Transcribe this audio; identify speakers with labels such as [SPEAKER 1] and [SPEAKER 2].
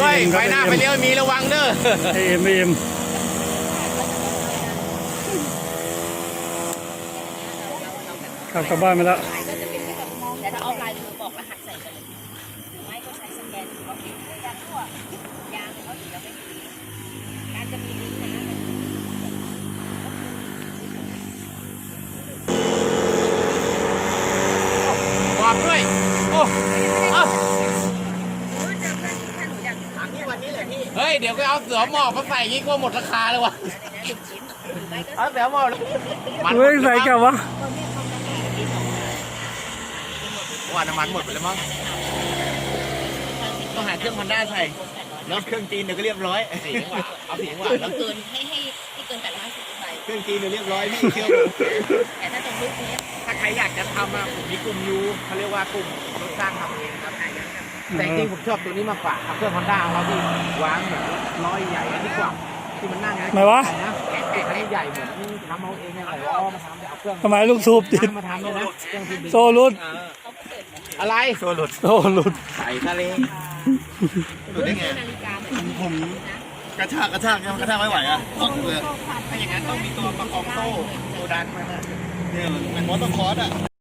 [SPEAKER 1] ยไฟหน้าไฟเลี้ยวมีระวังเด้อ
[SPEAKER 2] เอ็มขับกลับบ้านไปแล้ว
[SPEAKER 3] แต่ถ้าออฟไลน์คือบอกรหัสใส่กันเลยไม่ก็ใช้สแกนเขาติดยางทั่วยางเขาติดแล้วไม่ดีการจะมีลิงก์นะ
[SPEAKER 1] บอกด้วยโอ้เฮ้ยเดี๋ยวก็เอาเสือหมอบมาใส่ยิ่งกว่าหมดราคาเลยวะเอาเสือหมอบ
[SPEAKER 2] เฮ้ยใส่กลับวะ
[SPEAKER 1] ว่าน้ำมันหมดไปแล้วมั้งต้องหาเครื่องHondaใส่แล้วเครื่องจีนเดี๋ยวก็เรียบร้อยสีจังหวะเอาสีจังหวะแล้ว
[SPEAKER 3] เกินให้เกิน850ใบ
[SPEAKER 1] เครื่องจีนเดี๋ยวเรียบร้อยพี่เชื่อ
[SPEAKER 3] แต่ถ้าตรงรูปนี้
[SPEAKER 1] ถ้าใครอยากจะทำอะผมมีกลุ่มยูเขาเรียกว่ากลุ่มรถสร้างทำเองครับแต่จริงผมชอบตัวนี้มากกว่าเครื่องHondaของเราที่วางเหมือนล้อใหญ่ดีกว่าที่มันนั่ง
[SPEAKER 2] ไหนวะ
[SPEAKER 1] นะคันนี้ใหญ่เหมือนทำเอาเองอะไรล้อมาทำเอาเครื่อง
[SPEAKER 2] ทำไมลูกสูบติด
[SPEAKER 1] มาทำเลยนะ
[SPEAKER 2] โซลุด
[SPEAKER 1] อะไรโซลุดใส่ทะเล
[SPEAKER 3] ดูได้ไง
[SPEAKER 1] ผมกระชากไม่ไหวอ่ะเลยถ้าอย่างนั้นต้องมีตัวประกอบโซ่ดันมาเนี่ยมันมอเตอร์คอร์สอ่ะ